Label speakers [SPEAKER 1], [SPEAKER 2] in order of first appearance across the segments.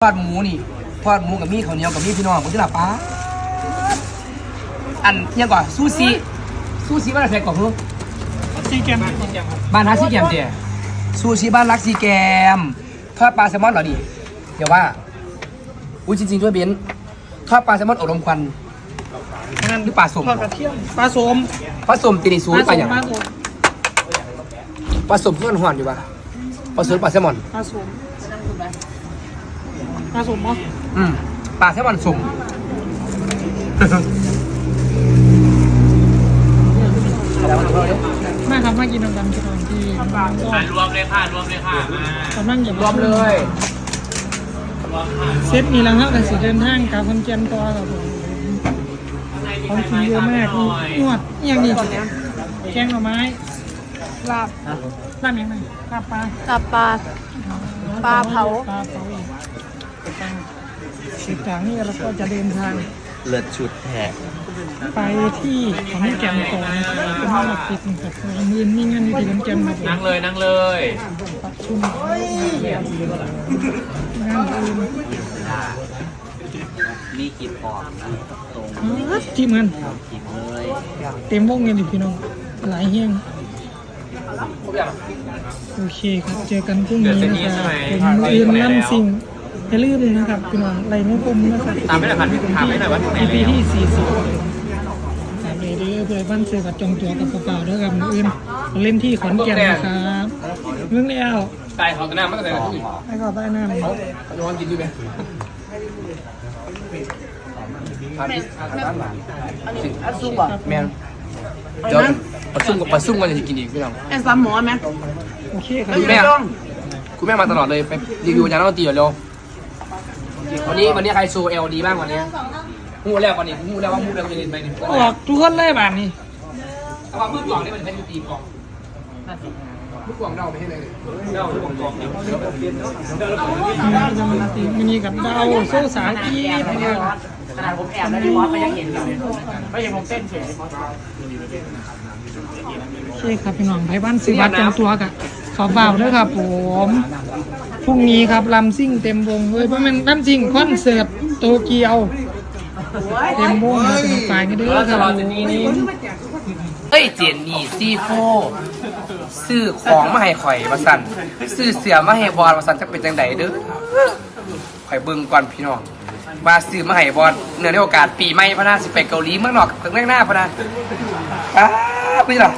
[SPEAKER 1] ทอดหมูนี่ทอดหมูกับมีข้าวเหนียวกับมีพี่น้องผมจะหลับป้าอันยังก่อนซูชิบ้านอะไรก่อนลูก
[SPEAKER 2] ซีแกม
[SPEAKER 1] บ้านฮักซีแกมเดียซูชิบ้านรักซีแกมทอดปลาแซลมอนเหรอดิเดี๋ยวว่าอุ้ยจริงๆด้วยเบนทอดปลาแซลมอนอบรมควันนั่นหรือปลาสม
[SPEAKER 2] ทอดกระเทียมปลาสม
[SPEAKER 1] ปลาสมตีนิซูปลาอย่างปลาสมเพื่อนหวานอยู่ปะปลาสมปลาแซลมอน
[SPEAKER 2] ปลาสมมั้ง
[SPEAKER 1] ปลาแซลมอนสม
[SPEAKER 2] มาครับมากินน้ำดำที่ตอนที่
[SPEAKER 3] รวมเลยค่ะ
[SPEAKER 2] กำลังอย่าร
[SPEAKER 1] วมเลย
[SPEAKER 2] เซตนี้แล้วครับแต่สิเดินทางกลับคำเจนตัวครับผมของกินเยอะมากนวดอย่างนี้แกงหน่อไม้ลาบยังไงลาบปลา
[SPEAKER 4] เผา
[SPEAKER 2] สิบจากนี้เราก็จะเดินทาง
[SPEAKER 3] เลิศชุดแท้
[SPEAKER 2] ไปที่ขอนแก่นก่อนเป็นห้องปิดกับมือนี่งานอยู่ที่ขอนแก่นครับ
[SPEAKER 3] นั่งเลย
[SPEAKER 2] ประชุมงานอื่น
[SPEAKER 3] มีกินพอตรง
[SPEAKER 2] ที่มัน
[SPEAKER 3] กินเลย
[SPEAKER 2] เต็มวงเงินดิพี่น้องหลายเฮี้ยงโอเคครับเจอกันพรุ่งนี้นะครับผมอื่นนั่นสิ่งอย่าลืมนะครับพี่น้องไรไม่ปุ่มนะครับ
[SPEAKER 3] ตามไม่ได้ผ่านถามไม่ได้ว่าที่ไหน
[SPEAKER 2] EP ที่40ถามเลยเด้อเพื่อบ้านเสือกับจงตัวกับเปล่าๆด้วยกับอื่นเล่นที่ขอนแก่นนะครับเรื่องแล้ว
[SPEAKER 3] ใต้เขาตะน้ำมันก็แต่ละที่
[SPEAKER 2] ไอ้ก็ใต้น้ำ
[SPEAKER 1] เขาจะวางกินด้วยไหม
[SPEAKER 4] ซุปอ่ะ
[SPEAKER 1] แม่เดี๋ยวปลาซุ่มกันจะกินอีกพี่น้อง
[SPEAKER 4] ไอ้ซ้ำหมอไหม
[SPEAKER 2] โอเคครับ
[SPEAKER 1] คุณแม่มาตลอดเลยไปรีวิวยาน้ำตีเร็ววันนี้ใครโชว์เอลดีบ้างวันนี้มูแล้ววันนี้มูแล้วว่ามูแล้วจะเล่นไปนี่
[SPEAKER 2] ออกทุกคนเลยบ้านนี้
[SPEAKER 1] เอาว่ามือกล่องนี่มันเป็นยูตีกล่องมือกล่องเดาไม่ให้เลยเดามือกล่อง
[SPEAKER 2] มินีกับดาวโซ่สากีเนี่ย
[SPEAKER 4] ขนาดผมแอบแล้วพี่บอสไม่ยังเห็นเลยไม่เห็นผมเต้นเฉย
[SPEAKER 2] โอเคครับพี่น้องไผ่บ้านซื้อบัตรจองตัวกันขอบ่าวด้วยครับผมพรุ่งนี้ครับลำซิ่งเต็มวงเลยเพราะมันลำซิ่งคอนเสิร์ตโตเกียวเต็มวงมาเป็นฝ่ายกันด้วยครับ
[SPEAKER 1] เอ้ยเจนนี่ซีโฟซื้อของมาให้ข่อยมาสั่นซื้อเสือมาให้บอลมาสั่นจะเป็นจังไดเด้อข่อยเบิ่งก่อนพี่น้องว่าซื้อมาให้บอลเนื่องในโอกาสปีใหม่พะนาสิไปเกาหลีเมืองนอกถึงหน้าพะนาพี่ล่ะ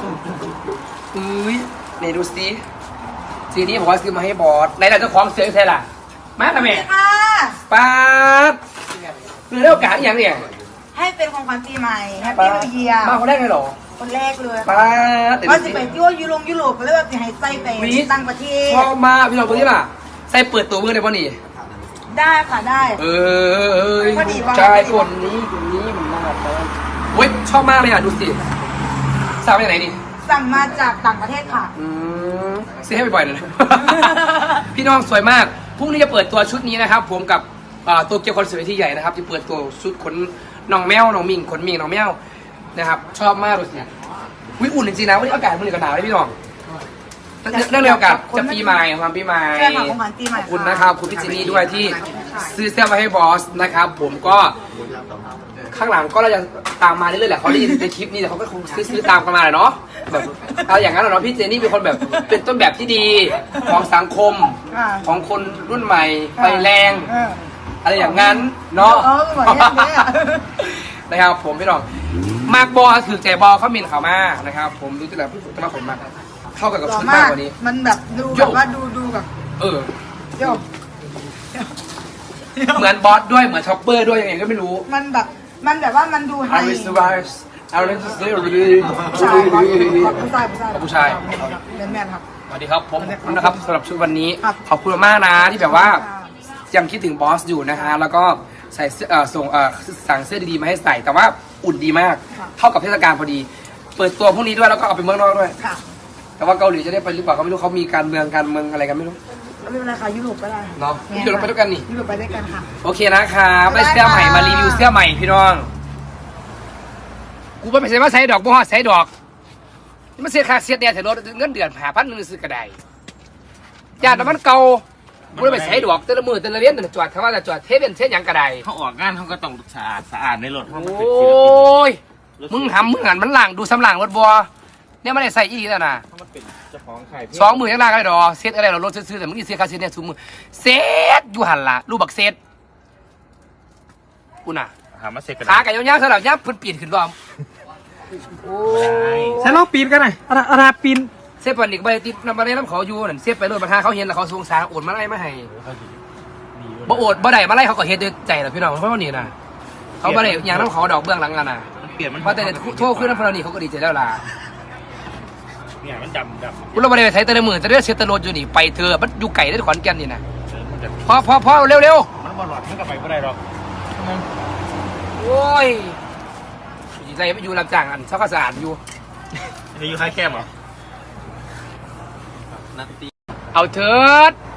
[SPEAKER 1] นี่ดูสิสีนี้บอกว่าซื้อมาให้บอสไหนล่ะเจ้าของเสือใช่ล่ะมาทำไมป้าเนื่องในโอกาสอย่างเนี่ย
[SPEAKER 4] ให้เป็นของขวัญปีใหม่แฮปปี้นิวเยียร์
[SPEAKER 1] มาคนแรกเลยหรอ
[SPEAKER 4] คนแรกเลย
[SPEAKER 1] ป้า
[SPEAKER 4] ว่าจะไปที่ว่ายุโรปก็เลยว่าจะให้ใส่ไปต่างประเทศ
[SPEAKER 1] ชอบมากพี่น้องตัวนี้ล่ะใส่เปิดตัวมือได้ป่ะนี่
[SPEAKER 4] ได้ค่ะได้
[SPEAKER 1] ใช่คนนี้มันน่ารักเว้ยชอบมากเลยอ่ะดูสิสั่งมาจากไหนนี่
[SPEAKER 4] สั่งมาจากต่างประเทศค่ะ
[SPEAKER 1] ซื้อให้บ่อยๆเลยพี่น้องสวยมากพรุ่งนี้จะเปิดตัวชุดนี้นะครับผมกับตัวเกียวคอนเสิร์ตที่ใหญ่นะครับจะเปิดตัวชุดขนน้องแมวน้องมิงขนมิงน้องแมวนะครับชอบมากดูสิวิอุ่นจริงๆนะวันนี้อากาศมันก็หนาวเลยพี่น้องเรื่องเดียวกับจะปีใหม่ความปีใหม่ขอบคุณนะครับคุณพี่จินี่ด้วยที่ซื้อเสื้อมาให้บอสนะครับผมก็ข้างหลังก็เราจะตามมาเรื่อยๆแหละเขาได้ยินในคลิปนี้แต่เขาก็คงซื้อตามกันมาแหละเนาะแบบเอาอย่างนั้นเหรอพี่เจนี่เป็นคนแบบเป็นต้นแบบที่ดีของสังคมของคนรุ่นใหม่ไฟแรงอะไรอย่างนั้นเนาะนะครับผมพี่น้องมากบอถือใจบอเขามินเขามานะครับผมดูที่ไหนพี่จะมาผมมาเข้ากับชุดมากกว่านี้
[SPEAKER 4] มันแบบดูแบบว่าดูแบบโยก
[SPEAKER 1] เหมือนบอสด้วยเหมือนช็อปเปอร์ด้วยยังไงก็ไม่รู้
[SPEAKER 4] มันแบบว่ามันดูให้
[SPEAKER 1] ผู้ชาย
[SPEAKER 4] แม่ครับ
[SPEAKER 1] สวัสดีครับผมนะครับสำหรับชุดวันนี้ขอบคุณมากนะที่แบบว่ายังคิดถึงบอสอยู่นะฮะแล้วก็ใส่ส่งสั่งเสื้อดีๆมาให้ใส่แต่ว่าอุ่นดีมากเท่ากับเทศกาลพอดีเปิดตัวพวกนี้ด้วยแล้วก็เอาไปเมืองนอกด้วยแต่ว่าเกาหลีจะได้ไปหรือเปล่าก็ไม่รู้เขามีการเมืองอะไรกันไม่รู้
[SPEAKER 4] ไม่เป็นไรค่ะยุโรปก็ได้
[SPEAKER 1] เนาะยุโรปไปด้วยกันนี่
[SPEAKER 4] ยุโรปไปด้วยกันค่ะ
[SPEAKER 1] โอเคนะครับได้เสื้อใหม่มารีวิวเสื้อใหม่พี่น้องกูไม่ใช่ว่าใส่ดอกบัวใส่ดอกนี่มันเสียค่าเสียเนี่ยแต่รถเงินเดือน5,000นึงซื้อกระไดญาติมันเก่ากูเลยไปใช้ดอกแต่ละมือแต่ละเลี้ยนแต่ละจอดเขาว่าจะจอดเทเป็นเส้นหยังกระได
[SPEAKER 3] เขาออกงานเขาก็ต้องสะอาดในรถ
[SPEAKER 1] โอ้ยมึงหันมันหลังดูสำหลังรถบัวเนี่ยไม่ได้ใส่อีกแล้วนะ
[SPEAKER 3] มันเป็นเจ้าของขาย
[SPEAKER 1] สองมือยังล่างอะไรดอกเซตอะไรเรารถซื้อแต่มึงนี่เซตคาเซตเนี่ยสูมือเซตอยู่หันละรูปบักเซตกูน่ะ
[SPEAKER 3] หามาเสร็จกัน
[SPEAKER 1] ขาไก่ยาวๆสลับยับเพิ่นปีนขึ้นรอมโอ้ย
[SPEAKER 2] ใส่ลองปีนกันหน่อยอาราปีน
[SPEAKER 1] เซฟปันอีกใบติดนำมาได้น้ำเขาอยู่นั่นเซฟไปเลยประธานเขาเห็นแล้วเขาสงสารโอนมาไล่มาให้บ่โอดบ่ได้มาไล่เขาก็เฮ็ดด้วยใจแหละพี่น้องเพราะว่านี่นะเขาบ่ได้อย่างน้ำเขาดอกเบื้องหลังกันน่ะ
[SPEAKER 3] มันเปลี่ยนมัน
[SPEAKER 1] ว่าแต่โทษขึ้นน้ำพลานี่เขาก็ดีใจแล้วล่ะ
[SPEAKER 3] เนี่ยมันดำ
[SPEAKER 1] กูเราบ่ได้ไปใช้แต่ละมือแต่เรื่องเซตโรดอยู่นี่ไปเธอมันอยู่ไก่ได้ขอนแก่นนี่นะ
[SPEAKER 3] มันจะ
[SPEAKER 1] พอเร็ว
[SPEAKER 3] มันบอลหลอดมันก็ไปไม่ได้หรอก
[SPEAKER 1] ๆโอ้ยใจไม่อยู่รับจ้างอันเช้าก็สะอาดอยู่
[SPEAKER 3] จะอยู่ค่ายแคบเหรอนัตตี้
[SPEAKER 1] เอาเถิด